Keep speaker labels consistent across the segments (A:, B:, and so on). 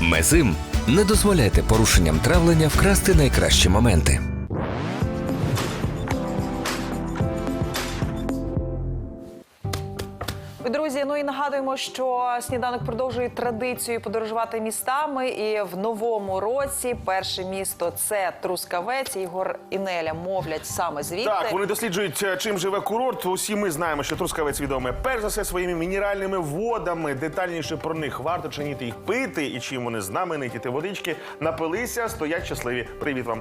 A: Мезим. Не дозволяйте порушенням травлення вкрасти найкращі моменти.
B: Друзі, ну і нагадуємо, що «Сніданок» продовжує традицію подорожувати містами. І в новому році перше місто – це Трускавець. Ігор і Неля мовлять саме звідти.
C: Так, вони досліджують, чим живе курорт. Усі ми знаємо, що Трускавець відомий перш за все своїми мінеральними водами. Детальніше про них, варто чи ні їх пити і чим вони знамениті. Ті водички напилися, стоять щасливі. Привіт вам.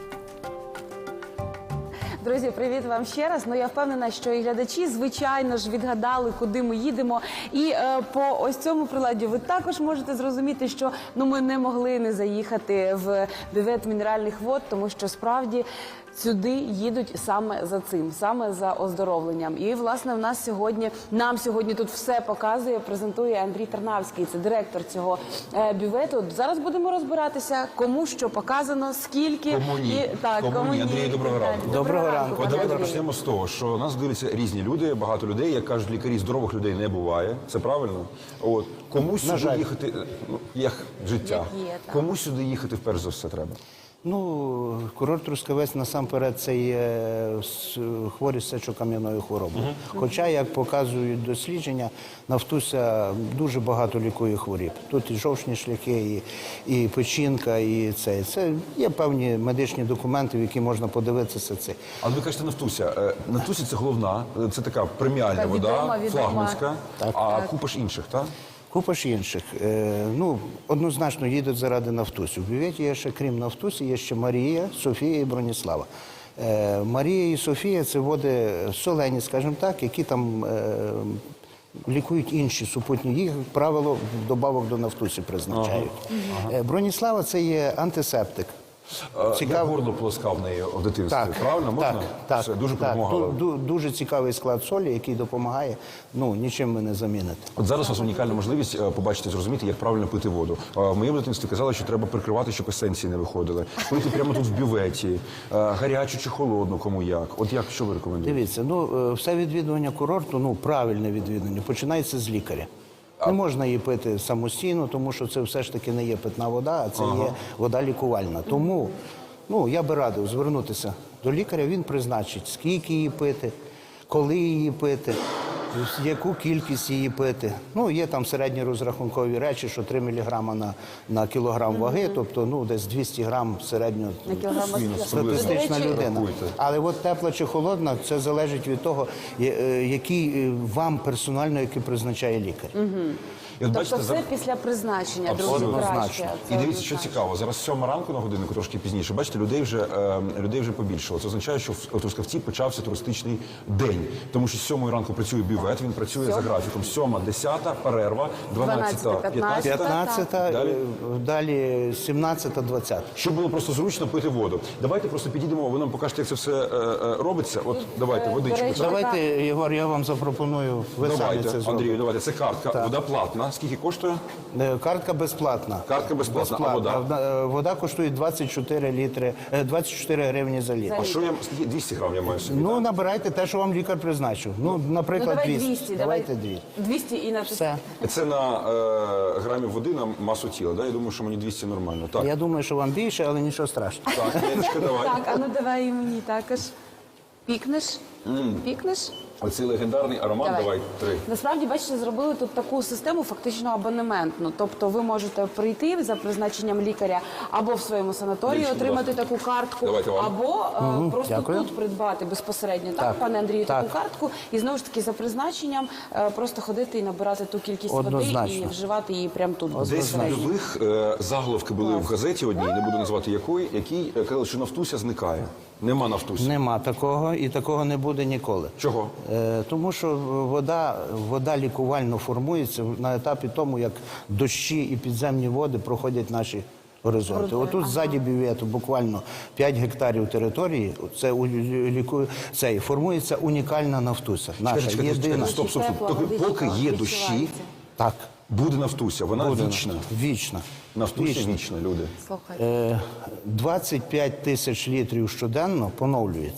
D: Друзі, привіт вам ще раз. Ну, я впевнена, що і глядачі, звичайно ж, відгадали, куди ми їдемо. І по ось цьому приладі ви також можете зрозуміти, що ми не могли не заїхати в бювет мінеральних вод, тому що справді сюди їдуть саме за цим, саме за оздоровленням. І, власне, нам сьогодні тут все показує, презентує Андрій Тарнавський, це директор цього бювету. Зараз будемо розбиратися, кому що показано, скільки.
E: Кому ні. Кому ні. Андрій, доброго ранку.
D: Доброго ранку.
E: От давайте почнемо з того, що нас дивляться різні люди, багато людей, як кажуть лікарі, здорових людей не буває. Це правильно? От. Кому сюди їхати, як життя, кому сюди їхати вперше за все треба?
F: Ну, курорт Трускавець насамперед це є хворі з сечокам'яною хворобою. Хоча, як показують дослідження, Нафтуся дуже багато лікує хворіб. Тут і жовчні шляхи, і печінка, і це. Це є певні медичні документи, в які можна подивитися це.
E: Але ви кажете Нафтуся. Нафтуся – це головна, це така преміальна вода, флагманська, а купа ж інших, так?
F: Купа ж інших. Однозначно їдуть заради Нафтусі. В бюветі є ще, крім Нафтусі, є ще Марія, Софія і Броніслава. Марія і Софія – це води солені, скажімо так, які там лікують інші супутні. Їх, як правило, вдобавок до Нафтусі призначають. Броніслава – це є антисептик.
E: Я горло полоскав в неї в дитинстві, правильно? Можна?
F: Так,
E: все, дуже допомагало.
F: Дуже цікавий склад солі, який допомагає, нічим ми не замінити.
E: От зараз у вас унікальна можливість побачити, зрозуміти, як правильно пити воду. В моєму дитинстві казали, що треба прикривати, щоб есенції не виходили. Пити прямо тут в бюветі, гарячу чи холодну, кому як. От як, що ви рекомендуєте?
F: Дивіться, все відвідування курорту, правильне відвідування, починається з лікаря. Не можна її пити самостійно, тому що це все ж таки не є питна вода, а це є вода лікувальна. Тому я би радив звернутися до лікаря, він призначить, скільки її пити, коли її пити, яку кількість її пити. Є там середні розрахункові речі, що 3 мг на кілограм ваги, тобто десь 200 грам середньостатистична людина. Але от тепла чи холодна, це залежить від того, який вам персонально, який призначає лікар.
D: Тобто все після призначення, друзі, краще.
E: І дивіться, що цікаво, зараз 7 ранку на годиннику, трошки пізніше, бачите, людей вже побільшало. Це означає, що в Трускавці почався туристичний день, тому що з 7 ранку працює бювет, він працює за графіком. 7, 10, перерва, 12, 15,
F: далі 17, 20.
E: Щоб було просто зручно пити воду. Давайте просто підійдемо, ви нам покажете, як це все робиться. От, давайте, водичку.
F: Давайте, Єгор, я вам запропоную, ви самі це зробите.
E: Андрію, давайте, це картка, вода платна. Скільки коштує?
F: Картка безплатна.
E: Картка безплатна, а вода?
F: Вода коштує 24 гривні за літр.
E: А що я, 200 грам я маю собі?
F: Набирайте те, що вам лікар призначив. Наприклад, 200. Давайте
D: 200 і на
F: все.
E: Це на грамів води на масу тіла, да? Я думаю, що мені 200 нормально. Так.
F: Я думаю, що вам більше, але нічого страшного.
E: Так, Леночка, давай.
D: Так, давай і мені також. Пікнеш? Пікнеш?
E: Оцей легендарний аромат, давай 3.
D: Насправді, бачите, зробили тут таку систему фактично абонементну. Тобто ви можете прийти за призначенням лікаря або в своєму санаторії отримати таку картку, або просто тут придбати безпосередньо, так, пане Андрію, таку картку, і знову ж таки за призначенням просто ходити і набирати ту кількість води і вживати її прямо тут.
E: Десь в нових заголовки були в газеті одній, не буду називати якій, казали, що Нафтуся зникає. Нема Нафтусі.
F: Нема такого, і такого не буде ніколи.
E: Чого?
F: Тому що вода лікувально формується на етапі тому, як дощі і підземні води проходять наші горизонти. Отут ззаді бювету буквально 5 гектарів території, це формується унікальна Нафтуся. Наша єдина.
E: Стоп. Поки є дощі,
F: так,
E: буде Нафтуся, вона вічна.
F: Вічна.
E: Нафтуся вічна, люди.
F: 25 тисяч літрів щоденно поновлюється.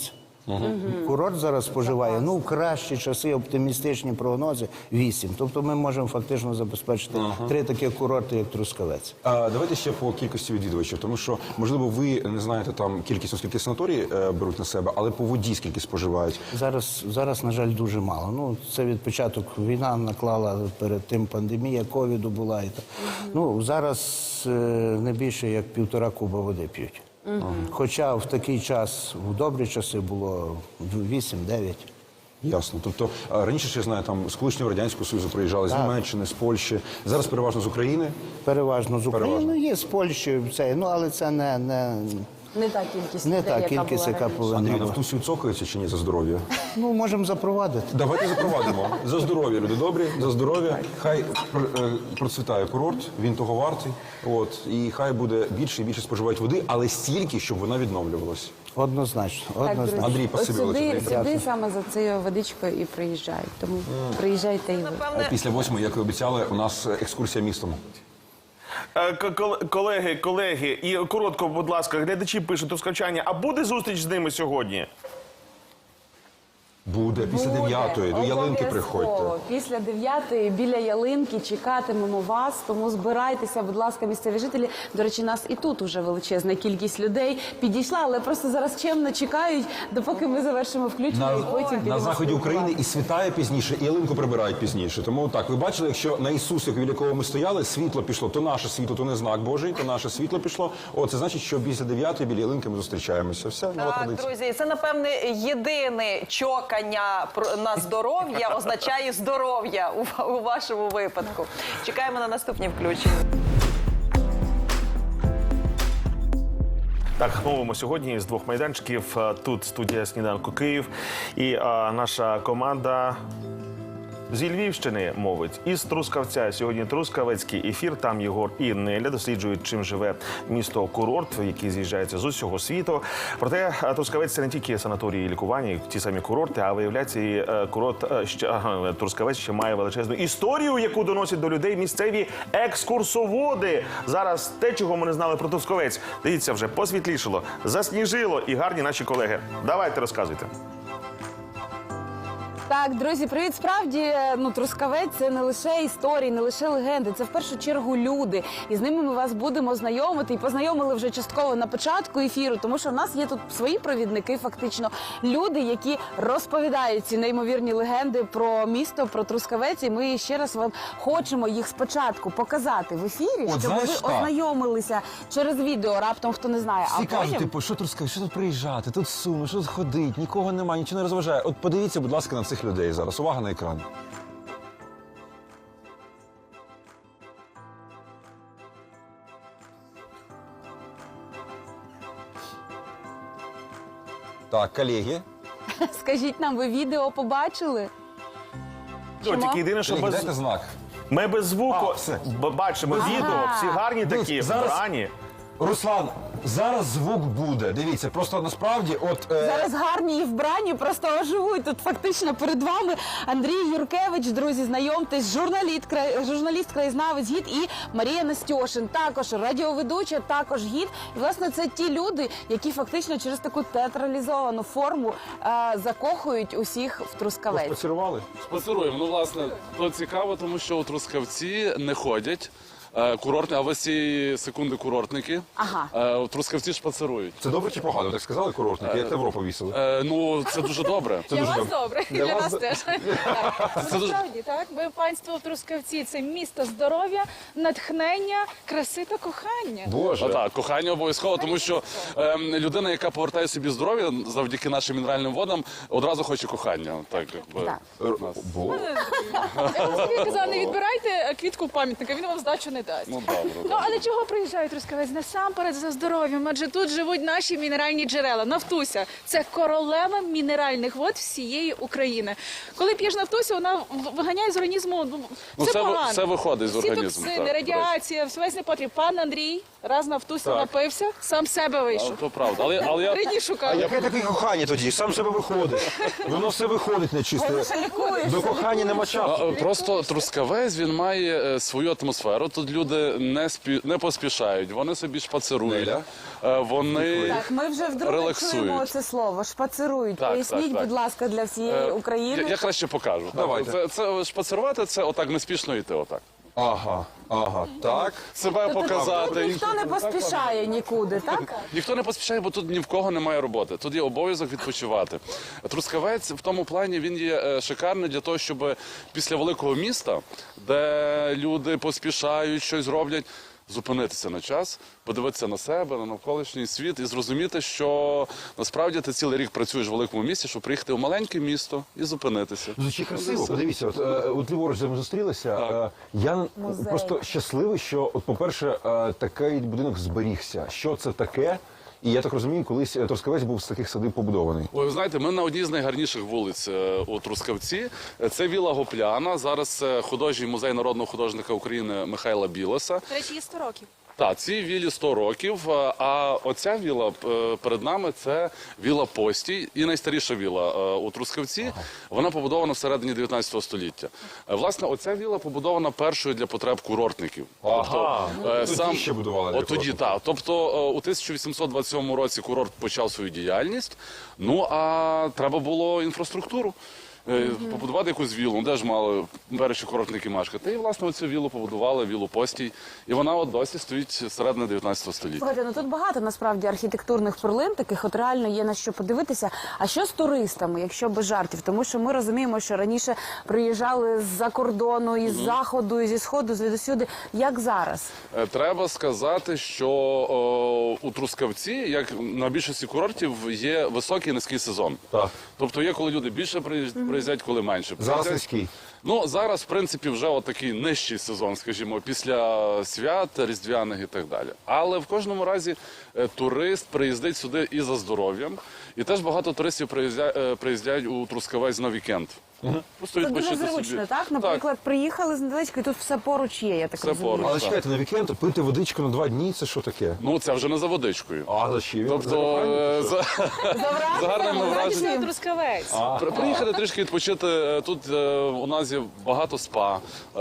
F: Курорт зараз споживає, ну, в кращі часи, оптимістичні прогнози, 8. Тобто ми можемо фактично забезпечити 3 такі курорти, як Трускавець.
E: Давайте ще по кількості відвідувачів, тому що, можливо, ви не знаєте там кількість, оскільки санаторії беруть на себе, але по воді скільки споживають.
F: Зараз, на жаль, дуже мало. Ну, це від початку війна наклала, перед тим пандемія ковіду була. І так. Ну, зараз не більше як 1,5 куба води п'ють. Хоча в такий час, в добрі часи було 8-9.
E: Ясно. Тобто раніше, ще я знаю, там з колишнього Радянського Союзу приїжджали з Німеччини, з Польщі. Зараз переважно з України.
F: Переважно з України,
E: Переважно.
F: Є з Польщі, ну, але це
D: Не та кількість
F: не
D: людей,
F: та
D: яка
F: кількість,
D: була
F: яка
D: раніше.
F: повинна
E: Андрій,
F: бути.
E: Нафтусі цокаються чи ні за здоров'я?
F: Ну, можемо запровадити.
E: Давайте запровадимо. За здоров'я, люди добрі, за здоров'я. Хай процвітає курорт, він того вартий. От, і хай буде більше і більше споживають води, але стільки, щоб вона відновлювалась.
F: Однозначно.
D: Так, друзі,
F: Однозначно.
E: Андрій,
D: ось
E: спасибі велике.
D: сюди саме за цією водичкою і приїжджають. Тому приїжджайте і ви.
B: Напевне,
E: Після 8, як і обіцяли, у нас екскурсія містом.
C: Колеги, і коротко, будь ласка, глядачі пишуть трускавчані, а буде зустріч з ними сьогодні?
E: Буде після 9-ї, до ялинки приходьте.
D: Обов'язково. Після 9-ї біля ялинки чекатимемо вас, тому збирайтеся, будь ласка, місцеві жителі. До речі, нас і тут уже величезна кількість людей підійшла, але просто зараз чемно чекають, допоки ми завершимо включення і потім підемо
E: На заході
D: спілкуватися.
E: України і світає пізніше, і ялинку прибирають пізніше. Тому так, ви бачили, якщо на Ісусах, біля якого ми стояли, світло пішло, то наше світло, то не знак Божий, то наше світло пішло. О, це значить, що після 9-ї біля ялинки ми зустрічаємося. Все, нова
B: так,
E: традиція.
B: друзі, це, напевне, єдине чокання на здоров'я означає здоров'я у вашому випадку. Чекаємо на наступні включення.
C: Так, мовимо сьогодні з 2 майданчиків. Тут студія «Сніданку Київ». І наша команда зі Львівщини мовить. Із Трускавця. Сьогодні трускавецький ефір. Там Єгор і Неля досліджують, чим живе місто-курорт, який з'їжджається з усього світу. Проте Трускавець – це не тільки санаторії і лікування, і ті самі курорти, а виявляється, і Трускавець ще має величезну історію, яку доносять до людей місцеві екскурсоводи. Зараз те, чого ми не знали про Трускавець. Дивіться, вже посвітлішало, засніжило і гарні наші колеги. Давайте, розказуйте.
D: Так, друзі, привіт. Справді, Трускавець – це не лише історії, не лише легенди, це в першу чергу люди. І з ними ми вас будемо знайомити. І познайомили вже частково на початку ефіру, тому що в нас є тут свої провідники, фактично. Люди, які розповідають ці неймовірні легенди про місто, про Трускавець. І ми ще раз вам хочемо їх спочатку показати в ефірі,
E: От,
D: щоб
E: знаєш,
D: ви
E: так.
D: ознайомилися через відео, раптом хто не знає.
E: Всі кажуть, типу, що Трускавець, що тут приїжджати, тут суми, що тут ходить, нікого немає, нічого не розважає. От подивіться, будь ласка, на цих людей зараз. Увага на екран. Так, колеги.
D: Скажіть нам, ви відео побачили?
C: Тільки єдине, що
E: Колеги,
C: без...
E: дайте знак.
C: Ми без звуку
E: все.
C: бачимо відео, всі гарні такі,
E: Зараз-
C: вбрані.
E: Руслан, зараз звук буде. Дивіться, просто насправді,
D: Зараз гарні і вбрані просто оживуть. Тут фактично перед вами Андрій Юркевич, друзі, знайомтесь, журналіст, краєзнавець, гід, і Марія Настьошин, також радіоведуча, також гід. І, власне, це ті люди, які фактично через таку театралізовану форму закохують усіх в Трускавець.
E: Поцілували?
G: Спонсоруємо. Ну, власне, то цікаво, тому що у Трускавці не ходять курортні, а ви ці секунди курортники.
D: Ага.
G: У Трускавці шпацерують.
E: Це добре чи погано? Так сказали курортники, як Європу повісили.
G: Ну, це дуже добре.
E: Це дуже добре.
H: Для
E: Для
H: нас
E: вас-
H: теж.
G: Це дуже...
H: Насправді, так. Ми панство в Трускавці. Це місто здоров'я, натхнення, краси та кохання.
E: Боже.
G: Так, кохання обов'язково, тому що людина, яка повертає собі здоров'я завдяки нашим мінеральним водам, одразу хоче кохання. Так, якби.
D: Так.
H: Я вам собі казала, не відбирайте квітку пам'ятника, він вам здачу не дасть.
G: Ну, добре.
H: Ну, але чого приїжджають Трускавець? Насамперед за здоров'ям, адже тут живуть наші мінеральні джерела. Нафтуся – це королева мінеральних вод всієї України. Коли п'єш Нафтусю, вона виганяє з організму все
G: це
H: погано.
G: все виходить з організму,
H: Всі токсини,
G: так,
H: радіація, весь непотріб. Пан Андрій раз Нафтуся напився, сам себе вийшов.
G: То правда. Але я...
H: Рідні шукали.
E: Яке таке кохання тоді? Сам себе виходить. Воно все виходить нечисте. До кохання нема часу.
G: Просто Трускавець, він має свою атмосферу. Тут люди не поспішають, вони собі шпацирують, вони
D: Так, ми вже вдруге
G: релаксують.
D: чуємо це слово «шпацирують».
G: Так,
D: Поясніть,
G: так.
D: будь ласка, для всієї України.
G: Я краще покажу.
E: Давайте.
G: Це шпацирувати, це отак неспішно йти, отак.
E: Ага, так.
G: Себе
D: Тобто
G: показати.
D: тут ніхто не поспішає нікуди, так?
G: Ніхто не поспішає, бо тут ні в кого немає роботи. Тут є обов'язок відпочивати. Трускавець в тому плані він є шикарний для того, щоб після великого міста, де люди поспішають, щось роблять, зупинитися на час, подивитися на себе, на навколишній світ і зрозуміти, що насправді ти цілий рік працюєш в великому місті, щоб приїхати в маленьке місто і зупинитися.
E: Звучить красиво. Подивіться, от ліворуч ми зустрілися. Я просто щасливий, що, от, по-перше, такий будинок зберігся. Що це таке? І я так розумію, колись Трускавець був з таких садиб побудований.
G: Ой, ви знаєте, ми на одній з найгарніших вулиць у Трускавці. Це Віла Гопляна. Зараз це художній музей народного художника України Михайла Білоса.
H: До речі, є 100 років.
G: Так, цій вілі 100 років, а оця віла перед нами – це віла Постій, і найстаріша віла у Трускавці. Вона побудована всередині 19 століття. Власне, оця віла побудована першою для потреб курортників.
E: Тоді ще будували для
G: От тоді,
E: курортників.
G: так. Тобто у 1827 році курорт почав свою діяльність, ну а треба було інфраструктуру. Побудувати якусь вілу, де ж мали перші курортники мешкати. І, власне, оцю вілу побудували, вілу Постій. І вона от досі стоїть середини 19 століття.
D: Слухайте, ну тут багато насправді архітектурних перлин, таких от реально є на що подивитися. А що з туристами, якщо без жартів? Тому що ми розуміємо, що раніше приїжджали з-за кордону, із заходу, і зі сходу, звідусюди. Як зараз?
G: Треба сказати, що у Трускавці, як на більшості курортів, є високий і низький сезон.
E: Так.
G: Тобто є, коли люди більше приїздять, коли менше.
E: Зараз
G: приїздять.
E: низький.
G: Ну, зараз, в принципі, вже отакий нижчий сезон, скажімо, після свят, різдвяних і так далі. Але в кожному разі турист приїздить сюди і за здоров'ям. І теж багато туристів приїздять у Трускавець на вікенд. Просто
D: Тут дуже
G: відпочити
D: зручно,
G: собі.
D: так? Наприклад, приїхали з недалечко, і тут все поруч є, я так
G: Все
D: розумію.
G: поруч.
E: Але чекайте, на вікенд пити водичку на 2 дні – це що таке?
G: Ну, це вже не за водичкою.
E: А за чим?
G: Тобто, за гарними враженнями.
H: Трускавець.
G: Приїхати трішки відпочити. Тут у нас є багато спа,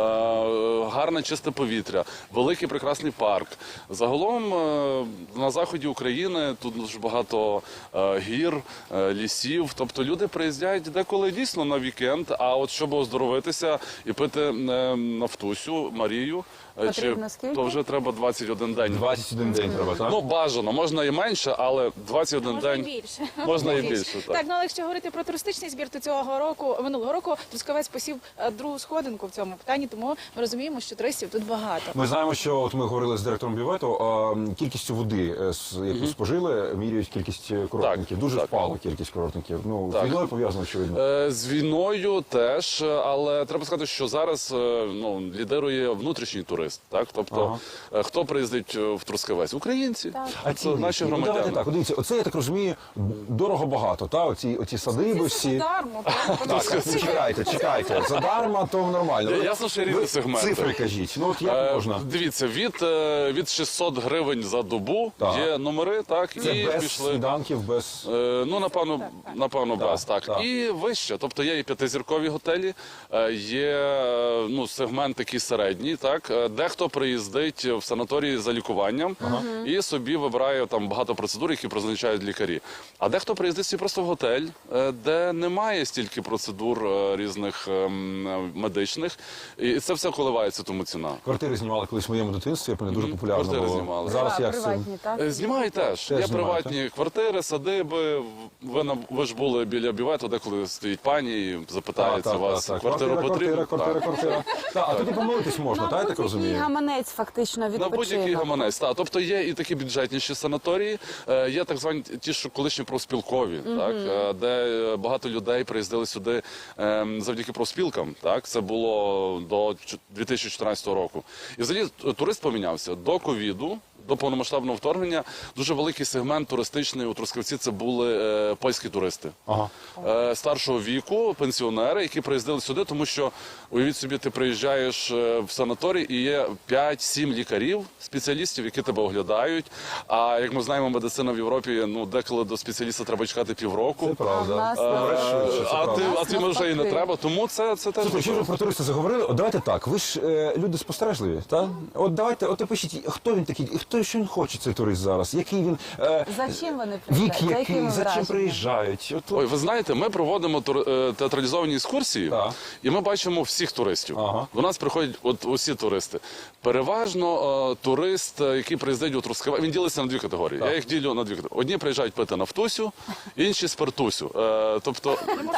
G: гарне чисте повітря, великий прекрасний парк. Загалом на заході України тут дуже багато гір, лісів. Тобто люди приїздять деколи дійсно на вікенд, а от щоб оздоровитися і пити нафтусю, Марію,
D: Потрібно скільки?
G: то вже треба 21 день.
E: 21 день треба, так?
G: Ну, бажано, можна і менше, але 21
H: Можна і
G: день.
H: більше.
G: Можна і більше, так.
H: Так, ну але якщо говорити про туристичний збір, то минулого року Трускавець посів другу сходинку в цьому питанні, тому ми розуміємо, що туристів тут багато.
E: Ми знаємо, що от ми говорили з директором бювету, кількістю води, яку спожили, міряють кількість курортників. Дуже
G: так.
E: впала кількість курортників. Ну,
G: Так.
E: з війною пов'язано, очевидно.
G: З війною теж, але треба сказати, що зараз лідирує внутрішній турист. Так? Тобто, хто приїздить в Трускавець? Українці. Це наші
E: Ну, давайте
G: громадяни.
E: так, дивіться, оце, я так розумію, дорого-багато, та? Оці садиби всі.
H: Задармо.
E: Так, чекайте. Задарма, то нормально.
G: Ясно, що різні
E: Ви
G: сегменти.
E: Цифри кажіть. Ну, от як можна?
G: Дивіться, від 600 гривень за добу
E: Так.
G: є номери, так,
E: Це
G: і
E: без
G: пішли.
E: сніданків, без...
G: Ну, напевно, без, так.
E: так.
G: І вище. Тобто є і п'ятизіркові готелі, є сегмент такий середній, так. Дехто приїздить в санаторії за лікуванням і собі вибирає там багато процедур, які призначають лікарі. А дехто приїздить собі просто в готель, де немає стільки процедур різних медичних, і це все коливається, тому ціна.
E: Квартири знімали колись в моєму дитинстві, я пам'ятаю, дуже популярно
G: Квартири
E: було.
G: знімали.
E: Зараз як це?
D: Приватні, так?
G: Знімають теж. Є
E: Теж знімають,
G: приватні квартири, садиби. Ви ж були біля бювету, деколи стоїть пані і запитається вас, квартиру потрібно?
E: Квартира. Так, а тоді помолитись можна, так, я так розумію?
D: Гаманець фактично
G: На будь-який
D: відпочинок.
G: гаманець. Так. Тобто є і такі бюджетніші санаторії, є так звані ті, що колишні профспілкові, так, де багато людей приїздили сюди завдяки профспілкам. Так. Це було до 2014 року. І взагалі турист помінявся. До ковіду до повномасштабного вторгнення дуже великий сегмент туристичний у Трускавці – це були польські туристи. Старшого віку, пенсіонери, які приїздили сюди, тому що, уявіть собі, ти приїжджаєш в санаторій і є 5-7 лікарів, спеціалістів, які тебе оглядають. А як ми знаємо, медицина в Європі, ну, деколи до спеціаліста треба чекати півроку.
E: Це правда.
G: А ти може і не треба, тому це теж
E: Слухайте, якщо ви про туристів заговорили, от давайте так, ви ж люди спостережливі, так? От давайте, от напишіть, хто він такий, що він хоче, цей турист зараз, який він,
D: За чим вони
E: вік
D: приїжджають? За
E: який,
D: якими
E: за чим
D: враженнями?
E: приїжджають. От,
G: Ой, ви знаєте, ми проводимо театралізовані екскурсії,
E: Так.
G: і ми бачимо всіх туристів.
E: Ага.
G: До нас приходять от усі туристи. Переважно турист, який приїздить у Трускавець, він ділиться на дві категорії. Я їх ділю на дві категорії. Одні приїжджають пити нафтусю, інші спиртусю. Тобто,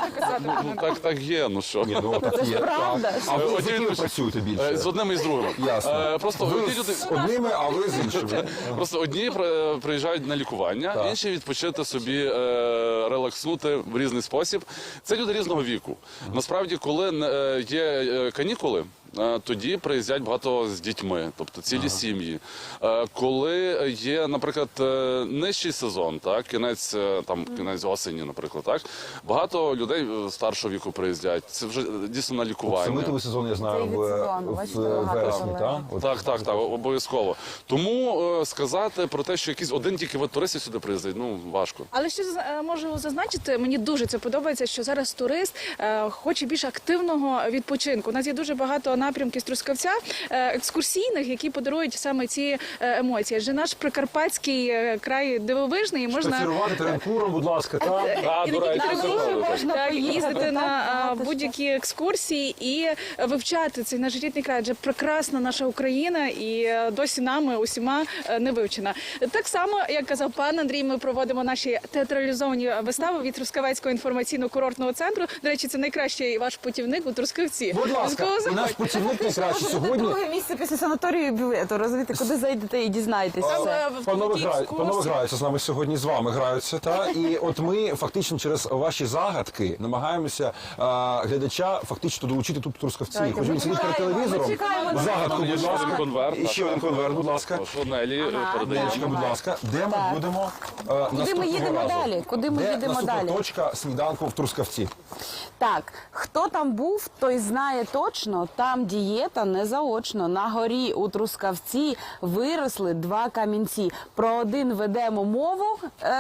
G: так є, ну що.
E: Ні, ну так є.
D: правда.
E: Так. А ви з
G: Одні
E: якими
G: люди-
E: працюєте більше?
G: З одними і з другими.
E: Ясно.
G: Просто
E: Ви
G: одні люди...
E: з одними, а ви з іншими.
G: Просто одні приїжджають на лікування,
E: Так.
G: інші відпочити собі, релакснути в різний спосіб. Це люди різного віку. Насправді, коли є канікули, тоді приїздять багато з дітьми, тобто цілі сім'ї. Коли є, наприклад, нижчий сезон, так, кінець осені, наприклад, так, багато людей старшого віку приїздять. Це вже дійсно на лікування.
E: Самитовий сезон, я знаю,
D: Цей від сезону, бачите,
E: в
D: багато
E: вересні,
D: колег.
E: так? От.
G: Так, обов'язково. Тому сказати про те, що якийсь один тільки вид туристів сюди приїздить, ну, важко.
H: Але ще можу зазначити, мені дуже це подобається, що зараз турист хоче більш активного відпочинку. У нас є дуже багато напрямків з Трускавця екскурсійних, які подарують саме ці емоції. Адже наш прикарпатський край дивовижний, і можна
E: Шпацірувати теренкуром, будь ласка, так?
G: А, до речі, це правда.
H: так, їздити
D: так,
H: на
D: багато
H: будь-які екскурсії і вивчати цей наш рідний край. Адже прекрасна наша Україна і досі нами усіма не вивчена. Так само, як казав пан Андрій, ми проводимо наші театралізовані вистави від Трускавецького інформаційно-курортного центру. До речі, це найкращий ваш путівник у Трускавці.
E: Будь ласка,
H: Обов'язково
E: і наш
H: заходьте.
E: путівник найкраще
D: Це
E: сьогодні.
D: друге місце після санаторію і бювету, розумієте, куди зайдете і дізнаєтесь
H: Там,
D: все.
H: в
E: Панове
H: такі
E: панове
H: екскурсії.
E: граються з нами сьогодні, з вами граються, та і от ми фактично через ваші загадки намагаємося глядача фактично долучити тут в Трускавці. Хоч він сидить перед телевізором.
D: чекаємо.
E: Загадку,
G: Є
E: будь
G: ще один
E: ласка.
G: конверт.
E: І ще один конверт, будь ласка.
G: Що Нелі передає.
E: Дівчинка, будь ласка, де ми будемо наступного
D: їдемо
E: разу?
D: далі? Куди ми
E: Де
D: їдемо
E: наступна
D: далі?
E: точка сніданку в Трускавці?
D: Так, хто там був, той знає точно, там дієта не заочно. На горі у Трускавці виросли 2 камінці. Про один ведемо мову.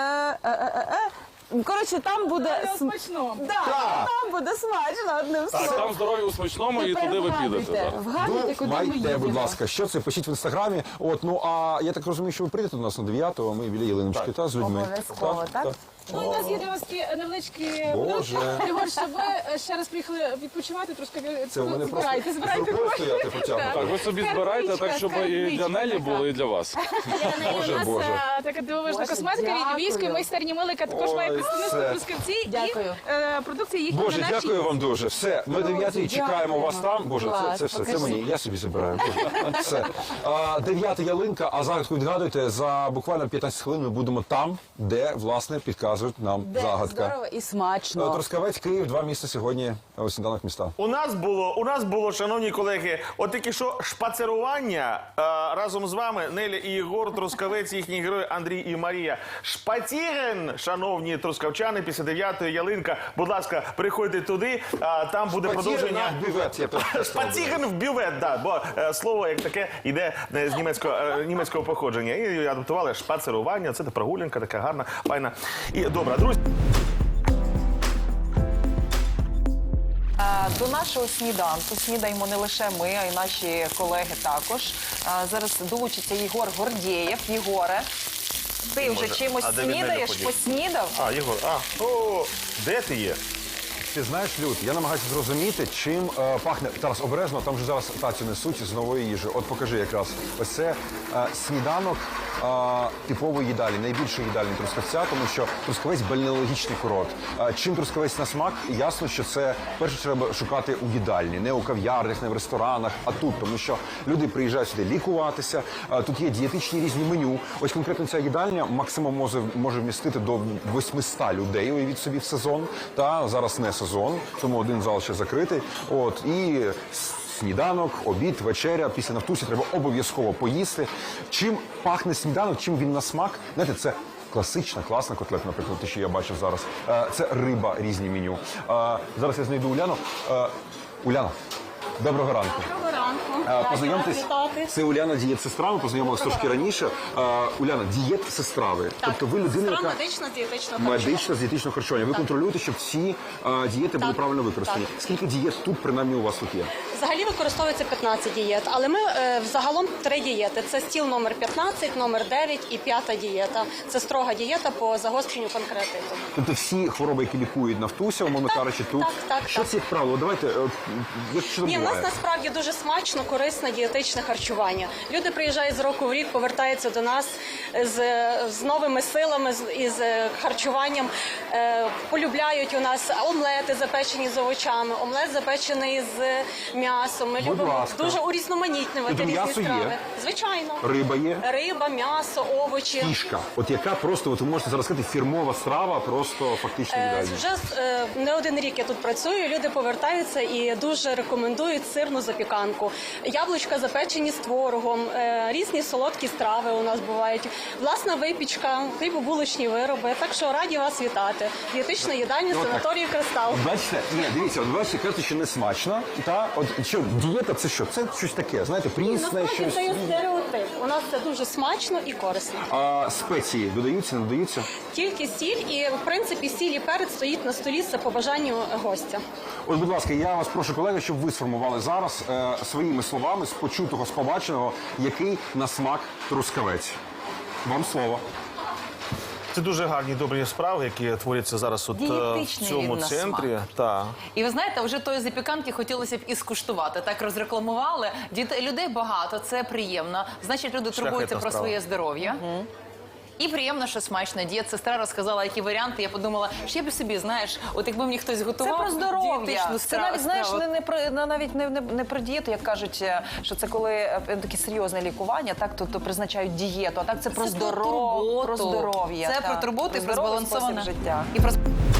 D: Коротше, там буде
H: Смачно.
D: там буде смачно, одним словом.
G: Там здоров'я у смачному і туди ви підете. так.
D: Вгадуйте, куди ми
E: Думайте,
D: їдемо.
E: будь ласка, що це? Пишіть в інстаграмі. От, ну а я так розумію, що ви прийдете до нас на 9-го, ми біля Ялиночки, та, з людьми.
D: Обов'язково, так?
H: Ну, у нас є для вас такі невеличкі
E: Боже.
H: Ігор, щоб ви ще раз приїхали відпочивати, трошки
E: Це у мене просто
H: збирайте
E: рукою стояти потягнути.
G: Так, ви собі збирайте так, щоб і для Нелі було, і для вас.
H: У нас
E: Боже.
H: така дивовижна
D: Боже,
H: косметика від
D: дякую.
H: львівської майстерні Милика, також має
E: Ой,
H: представництво
E: це-
H: в Трускавці
D: Дякую.
H: і продукція їхня
E: Боже,
H: на нашій.
E: дякую вам дуже. Все, ми 9-й чекаємо вас там. Боже,
D: Клас,
E: це все, це
D: покажіть.
E: мені. Я собі забираю. Боже, все. 9-та ялинка, а загадку відгадуйте. За буквально 15 хвилин ми будемо там, де, власне, підказують нам
D: Де
E: загадка.
D: здорово і смачно.
E: Трускавець, Київ, 2 міста сьогодні у сніданок міста.
C: У нас було, шановні колеги, от тільки що шпацерування разом з вами Неля і Єгор, Трускавець, їхні герої Андрій і Марія. Шпацірен, шановні трускавчани, після 9-ї ялинка. Будь ласка, приходьте туди, там буде продовження.
E: На бювет, я перепрошую.
C: Шпацірен в бювет, да, бо слово як таке йде з німецького походження. І адаптували шпацерування, це прогулянка така гарна, файна і добра. Друзі.
B: До нашого сніданку снідаємо не лише ми, а й наші колеги також. Зараз долучиться Єгор Гордєєв. Єгоре, ти вже чимось
C: А де він, Неля,
B: снідаєш?
C: подів?
B: Поснідав?
C: Єгор, де ти є?
E: Ти знаєш, Люд, я намагаюся зрозуміти, чим пахне. Зараз обережно, там вже зараз тацю несуть з нової їжі. От покажи якраз. Ось це сніданок типової їдалі, найбільшої їдальні Трускавця, тому що Трускавець бальнеологічний курорт. Чим Трускавець на смак, ясно, що це перше треба шукати у їдальні, не у кав'ярнях, не в ресторанах, а тут, тому що люди приїжджають сюди лікуватися. Тут є дієтичні різні меню. Ось конкретно ця їдальня максимум може вмістити до 800 людей, уявіть собі, в сезон. Та зараз не сезон, тому один зал ще закритий. От і сніданок, обід, вечеря. Після Нафтусі треба обов'язково поїсти. Чим пахне сніданок, чим він на смак? Знаєте, це класична, класна котлета, наприклад, те, що я бачив зараз. Це риба, різні меню. Зараз я знайду Уляну. Уляна, доброго ранку.
H: Доброго ранку.
E: Познайомтесь, це Уляна, дієт-сестра, ми познайомилися трошки раніше. Уляна, дієт-сестра ви. Тобто ви людина, яка... Медично з дієтичного харчування. Ви контролюєте, щоб всі дієти були правильно використані. Скільки дієт тут, принаймні, у вас тут є?
I: Взагалі використовується 15 дієт, але ми взагалом 3 дієти. Це стіл номер 15, номер 9 і 5 дієта. Це строга дієта по загостренню панкреатиту.
E: Тобто всі хвороби, які лікують Нафтуся, умовно кажучи, тут. Що це, як правило? Давайте, що там
I: Ні, в нас
E: буває?
I: насправді дуже смачно, корисне дієтичне харчування. Люди приїжджають з року в рік, повертаються до нас з новими силами, із харчуванням. Полюбляють у нас омлети запечені з овочами, омлет запечений з м'ясом. Ми любимо
E: ласка.
I: дуже урізноманітнювати
E: Тобто
I: різні
E: м'ясо є?
I: страви. Звичайно.
E: Риба є?
I: Риба, м'ясо, овочі.
E: Фішка. От яка просто, от ви можете зараз сказати, фірмова страва, просто фактично ідеальна.
I: Вже не один рік я тут працюю, люди повертаються і дуже рекомендують сирну запіканку. Яблучка запечені з творогом, різні солодкі страви у нас бувають, власна випічка, хлібобулочні вироби. Так що раді вас вітати. Дієтична їдальня санаторію «Кристал».
E: Бачите, ні, дивіться, от бачите, кажете, що не смачно. Та от що дієта, це що? Це щось таке, знаєте, прісне,
I: Насправді
E: щось.
I: це є стереотип. У нас це дуже смачно і корисно.
E: А спеції додаються, не додаються?
I: Тільки сіль і, в принципі, сіль і перець стоїть на столі, це по бажанню гостя.
E: От, будь ласка, я вас прошу, колеги, щоб ви сформували зараз своїми словами з почутого, з побаченого, який на смак трускавець. Вам слово.
C: Це дуже гарні, добрі справи, які творяться зараз от, в
B: Дієтичний
C: цьому
B: він на
C: центрі.
B: смак.
C: Так.
J: І ви знаєте, вже тої запіканки хотілося б і скуштувати. Так розрекламували. Людей багато, це приємно. Значить, люди турбуються про
C: справа.
J: своє здоров'я. І приємно, що смачно. Дієт-сестра розказала, які варіанти. Я подумала, що я б собі, знаєш, от якби мені хтось
B: Це
J: готував
B: про здоров'я.
J: дієтичну
B: Це навіть, знаєш,
J: страву.
B: навіть не про дієту, як кажуть, що це коли таке серйозне лікування, так, то призначають дієту, а так це про здоров'я. Про здоров'я.
J: Це
B: так.
J: про турботу і про
B: здоровий
J: збалансоване
B: спосіб життя.
J: І про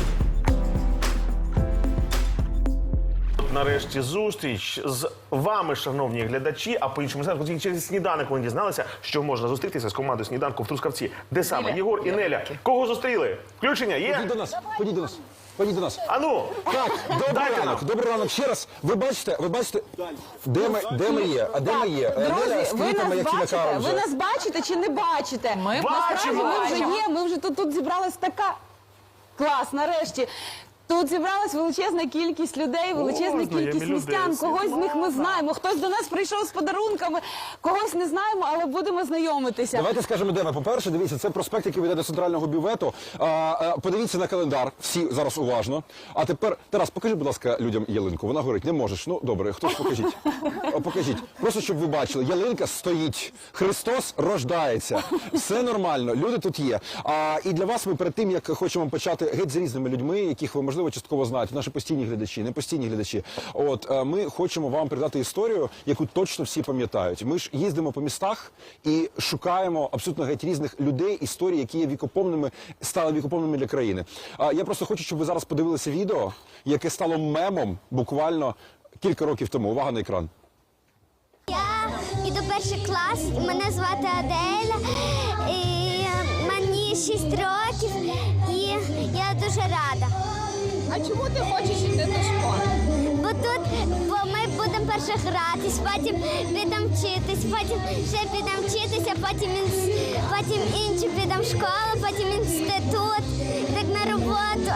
C: Нарешті зустріч з вами, шановні глядачі, а по-іншому тільки через сніданок вони дізналися, що можна зустрітися з командою сніданку в Трускавці. Де саме? Єгор і Неля. Кого зустріли? Включення є?
E: Ходіть до нас, ходіть до нас, ходіть до нас.
C: Ану!
E: Так, добрий
C: Дайте
E: ранок,
C: нам.
E: добрий ранок. Ще раз, ви бачите, де ми є? А де ми є? Неля
D: Друзі,
E: з
D: ви
E: квітами,
D: нас
E: які
D: бачите?
E: накаром
D: Ви
E: вже.
D: нас бачите чи не бачите?
J: Ми
D: Насправді
C: бачимо.
D: ми вже є, ми вже тут зібралась така клас, нарешті. Тут зібралась величезна кількість людей, величезна
C: знайомі
D: кількість
C: люди,
D: містян.
C: всі.
D: Когось з них ми знаємо, хтось до нас прийшов з подарунками, когось не знаємо, але будемо знайомитися.
E: Давайте скажемо, де ми. По-перше, дивіться, це проспект, який веде до центрального бювету. Подивіться на календар, всі зараз уважно. А тепер, Тарас, покажи, будь ласка, людям ялинку. Вона говорить, не можеш. Ну, добре, хтось покажіть. Покажіть. Просто, щоб ви бачили, ялинка стоїть. Христос рождається. Все нормально, люди тут є. І для вас ми перед тим, як хочемо почати геть з різними людьми, яких ви, можливо, частково знаєте, наші постійні глядачі, не постійні глядачі. От, ми хочемо вам передати історію, яку точно всі пам'ятають. Ми ж їздимо по містах і шукаємо абсолютно геть різних людей, історій, які є вікоповними, стали вікоповними для країни. Я просто хочу, щоб ви зараз подивилися відео, яке стало мемом буквально кілька років тому. Увага на екран.
K: Я іду перший клас, і мене звати Аделя, і мені 6 років, і я дуже рада.
H: А чому ти хочеш йти до школи?
K: Бо ми будемо перше гратись, потім підемо вчитись, потім ще підемо вчитися, потім інші підемо в школу, потім інститут, так на роботу,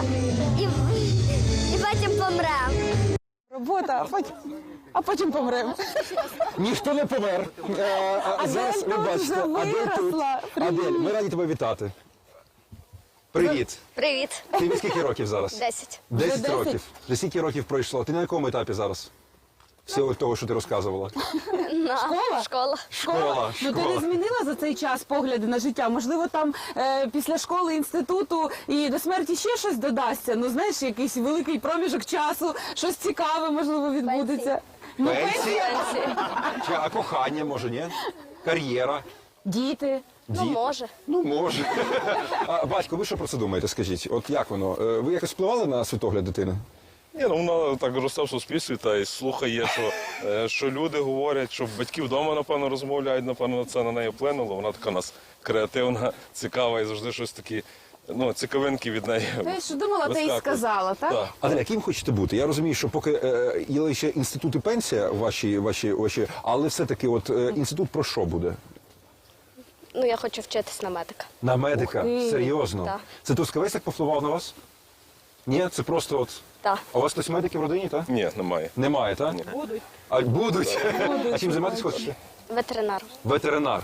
K: і потім помремо.
D: Робота, а потім помремо.
E: Ніхто не помер. Зараз ви
D: тут
E: бачите,
D: вже
E: Адель тут.
D: виросла.
E: Адель, ми раді тебе вітати. Привіт.
K: Привіт.
E: Тобі скільки років зараз?
K: 10.
E: 10 років. Вже скільки років пройшло? Ти на якому етапі зараз? Всього того, що ти розказувала.
K: Школа.
E: Школа.
D: Ну ти не змінила за цей час погляди на життя? Можливо, там після школи, інституту і до смерті ще щось додасться? Ну, знаєш, якийсь великий проміжок часу, щось цікаве, можливо, відбудеться. Ну,
E: Пенсія? А кохання, може, ні? Кар'єра?
D: діти.
K: Ну, може.
E: Ну, може. Батько, ви що про це думаєте, скажіть? От як воно? Ви якось впливали на світогляд дитини?
L: Ні, ну вона так росте в суспільстві та й слухає, що люди говорять, що батьки вдома, напевно, розмовляють, напевно, це на неї вплинуло. Вона така у нас креативна, цікава і завжди щось такі, ну, цікавинки від неї.
D: Те, що думала, те й
L: вискакують.
D: сказала, так?
L: Так.
E: Аделя, ким хочете бути? Я розумію, що поки є ще інститут і пенсія ваші, але все-таки от інститут про що буде?
K: Ну, я хочу вчитись на медика.
E: На медика?
D: Ух ти.
E: Серйозно?
K: Так.
E: Це Трускавець так повпливав на вас? Ні, це просто от...
K: Так.
E: А у вас хтось медики в родині, так?
L: Ні, немає.
E: Немає, так?
L: Будуть.
E: А будуть? А чим займатися хочете?
K: Ветеринар.
E: Ветеринар.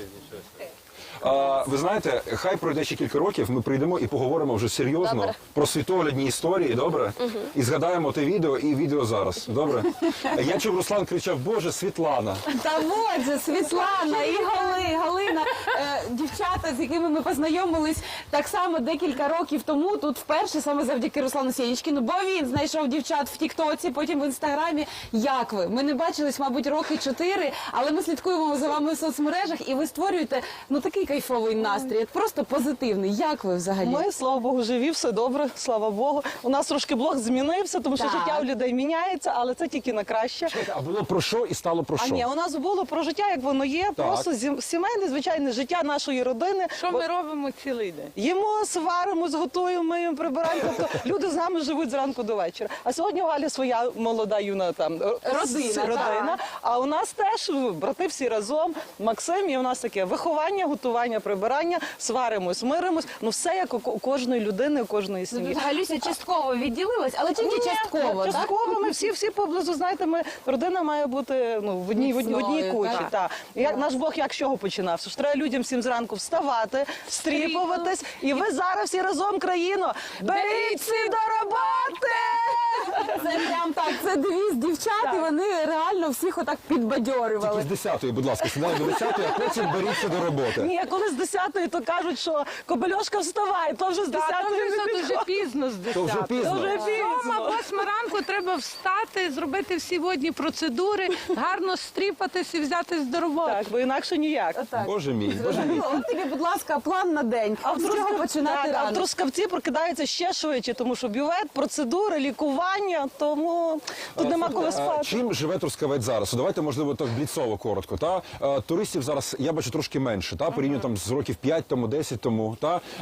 E: Ви знаєте, хай пройде ще кілька років, ми прийдемо і поговоримо вже серйозно
K: Добре.
E: про світоглядні історії, добре? І згадаємо те відео і відео зараз, добре? Я чув, Руслан кричав, Боже, Світлана.
D: Та от же Світлана і Галина, дівчата, з якими ми познайомились так само декілька років тому, тут вперше саме завдяки Руслану Сєнічкіну, бо він знайшов дівчат в Тіктоці, потім в Інстаграмі. Як ви? Ми не бачились, мабуть, роки 4, але ми слідкуємо за вами в соцмережах, і ви створюєте, ну, такий кайфовий настрій, просто позитивний. Як ви взагалі?
M: Ми, слава Богу, живі, все добре, слава Богу. У нас трошки блог змінився, тому що
D: Так.
M: життя у людей міняється, але це тільки на краще.
E: А було про що і стало про
M: А
E: що?
M: ні, у нас було про життя, як воно є, просто сімейне, звичайне життя нашої родини.
N: Що ми робимо цілий день?
M: Їмо, сваримо, готуємо, миємо, прибираємо. Тобто люди з нами живуть зранку до вечора. А сьогодні у Галі своя молода юна там родина. А у нас теж брати всі разом, Максим, і у нас таке виховання, готування, прибирання, сваримось, миримось. Ну все як у кожної людини, у кожної сім'ї.
D: Галюся частково відділилась, але тільки частково, так?
M: Частково ми всі поблизу, знаєте, родина має бути в одній
D: Міцною,
M: кучі.
D: так.
M: Так. Наш Бог як з чого починався? Що треба людям всім зранку вставати, стріпуватись, і ви зараз всі разом, країно, беріться до роботи!
D: Це прям так, це девіз дівчат, і вони реально всіх отак підбадьорювали.
E: Тільки з 10-ї, будь ласка, сідаємо до 10-ї, а потім беріться до роботи.
M: Ні, коли з 10-ї, то кажуть, що Кобельошка вставай, то вже з 10-ї не
N: Дуже пізно з 10.
E: То вже пізно.
M: Вже пізно.
N: 8 ранку треба встати, зробити всі водні процедури, гарно стріпатись і взятись до роботи.
M: Так, бо інакше ніяк.
E: Боже мій, Боже мій.
D: От тобі, будь ласка, план на день. З чого починати
M: А в
D: рано?
M: Трускавці прокидаються ще швидше, тому що бювет, процедури, лікування, тому тут нема коли спати.
E: Чим живе Трускавець зараз? Давайте, можливо, так бліцово коротко. Туристів зараз, я бачу, трошки менше, порівняно там з років 5 тому, 10 тому.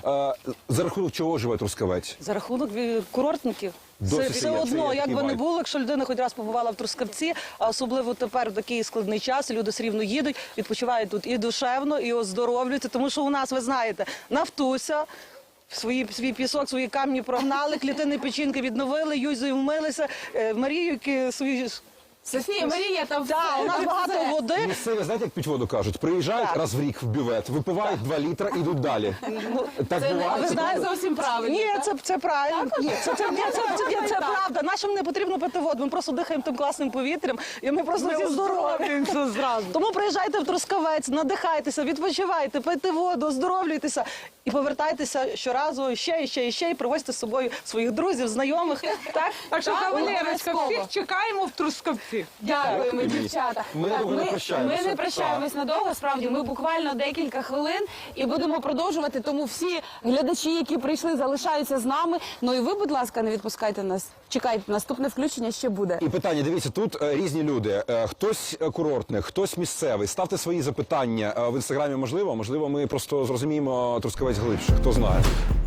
E: За рахунок чого живе Трускавець?
M: За рахунок курортників.
E: Досі
M: Все
E: є, це
M: одно,
E: є
M: як
E: такий
M: би не
E: вайб.
M: було, якщо людина хоч раз побувала в Трускавці, а особливо тепер в такий складний час, люди все рівно їдуть, відпочивають тут і душевно, і оздоровлюються, тому що у нас, ви знаєте, Нафтуся, свій пісок, свої камні прогнали, клітини печінки відновили, Юзою вмилися, Маріюки свої...
D: Софія, Марія, там все.
M: Так, у нас багато води.
E: Місцеві, знаєте, як п'ють воду кажуть? Приїжджають раз в рік в бювет, випивають 2 літра і йдуть далі. Так
D: А
E: буває?
D: ви
E: Це
D: знаєте,
E: правда?
D: зовсім правильно.
M: Ні, це правильно. Ні, це правда. Нашим не потрібно пити воду. Ми просто дихаємо тим класним повітрям, і ми просто всі здорові.
N: зразу.
M: Тому приїжджайте в Трускавець, надихайтеся, відпочивайте, пийте воду, оздоровлюйтеся і повертайтеся щоразу ще і привозьте з собою своїх друзів, знайомих.
N: Так що, кавалерочка,
D: обов'язково.
N: всіх чекаємо в Трускавці.
D: Дякуємо, дівчата.
E: Ми
D: Так,
E: довго не прощаємося.
D: Ми не прощаємось надовго, справді. Ми буквально декілька хвилин і будемо продовжувати. Тому всі глядачі, які прийшли, залишаються з нами. Ну і ви, будь ласка, не відпускайте нас. Чекайте, наступне включення ще буде.
E: І питання, дивіться, тут різні люди. Хтось курортний, хтось місцевий. Ставте свої запитання в інстаграмі, можливо, ми просто зрозуміємо Трускавець глибше, хто знає.